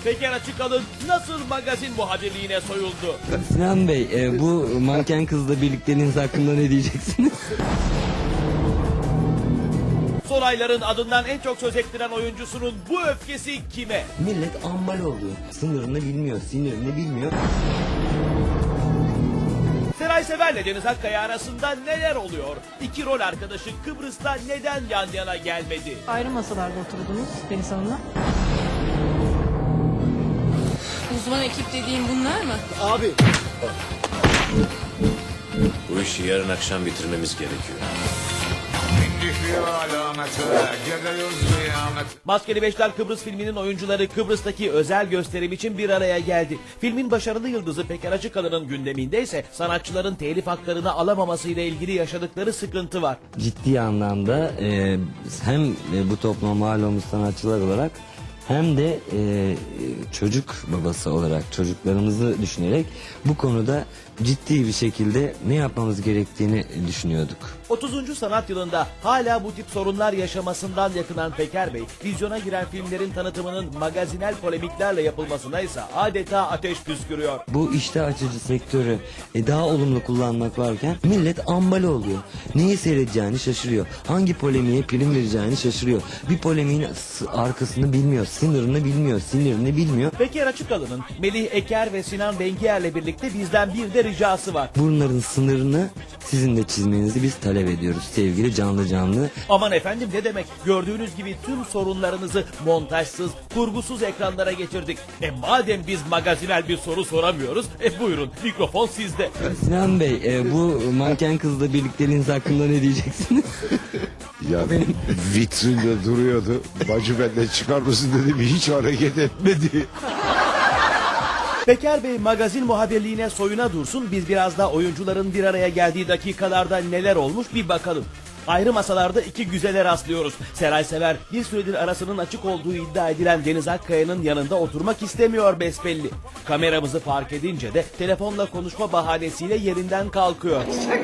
Peker Açıkalın nasıl magazin muhabirliğine soyuldu? Sinan Bey, bu manken kızla birlikteliğiniz hakkında ne diyeceksiniz? Son ayların adından en çok söz ettiren oyuncusunun bu öfkesi kime? Millet ambal oluyor. Sınırını bilmiyor, sinirini bilmiyor. Seray Sever'le Deniz Akkaya arasında neler oluyor? İki rol arkadaşı Kıbrıs'ta neden yan yana gelmedi? Ayrı masalarda oturdunuz Deniz Hanım'la. Uzman ekip dediğin bunlar mı? Bu işi yarın akşam bitirmemiz gerekiyor. Maskeli Beşler Kıbrıs filminin oyuncuları Kıbrıs'taki özel gösterim için bir araya geldi. Filmin başarılı yıldızı Peker Açıkalın'ın gündeminde ise sanatçıların telif haklarını alamamasıyla ilgili yaşadıkları sıkıntı var. Ciddi anlamda hem bu topluma mal olmuş sanatçılar olarak hem de çocuk babası olarak çocuklarımızı düşünerek bu konuda ciddi bir şekilde ne yapmamız gerektiğini düşünüyorduk. 30. sanat yılında hala bu tip sorunlar yaşamasından yakınan Peker Bey, vizyona giren filmlerin tanıtımının magazinel polemiklerle yapılmasına ise adeta ateş püskürüyor. Bu iştah açıcı sektörü daha olumlu kullanmak varken millet ambale oluyor. Neyi seyredeceğini şaşırıyor. Hangi polemiğe prim vereceğini şaşırıyor. Bir polemiğin arkasını bilmiyor, sınırını bilmiyor, sinirini bilmiyor. Peker Açıkalın'ın Melih Eker ve Sinan Bengiyer'le birlikte bizden bir de ricası var. Bunların sınırını sizin de çizmenizi biz talep ediyoruz sevgili canlı. Aman efendim ne demek? Gördüğünüz gibi tüm sorunlarınızı montajsız, kurgusuz ekranlara getirdik. Madem biz magazinel bir soru soramıyoruz, buyurun mikrofon sizde. Sinan Bey, bu manken kızla birlikteliğiniz hakkında ne diyeceksiniz? Ya vitrinde duruyordu. Bacı benden çıkar mısın dedim. Hiç hareket etmedi. Peker Bey magazin muhabirliğine soyuna dursun, biz biraz da oyuncuların bir araya geldiği dakikalarda neler olmuş bir bakalım. Ayrı masalarda iki güzele rastlıyoruz. Seray Sever bir süredir arasının açık olduğu iddia edilen Deniz Akkaya'nın yanında oturmak istemiyor besbelli. Kameramızı fark edince de telefonla konuşma bahanesiyle yerinden kalkıyor.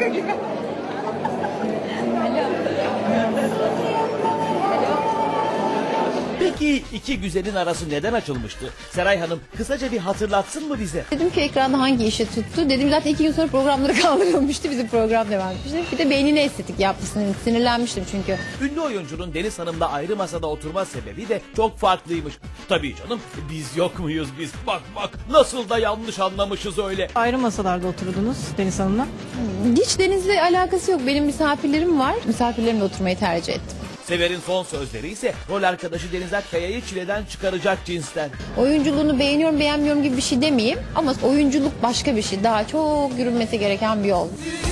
Peki iki güzelin arası neden açılmıştı? Seray Hanım kısaca bir hatırlatsın mı bize? Dedim ki ekranda hangi işe tuttu? Dedim zaten 2 gün sonra programları kaldırılmıştı. Bizim program devam etmişti. Bir de beynine estetik yaptı. Sinirlenmiştim çünkü. Ünlü oyuncunun Deniz Hanım'la ayrı masada oturma sebebi de çok farklıymış. Tabii canım, biz yok muyuz biz? Bak nasıl da yanlış anlamışız öyle. Ayrı masalarda oturdunuz Deniz Hanım'la. Hiç Deniz'le alakası yok. Benim misafirlerim var. Misafirlerimle oturmayı tercih ettim. Sever'in son sözleri ise rol arkadaşı Deniz Akkaya'yı çileden çıkaracak cinsten. Oyunculuğunu beğeniyorum beğenmiyorum gibi bir şey demeyeyim. Ama oyunculuk başka bir şey. Daha çok yürünmesi gereken bir yol.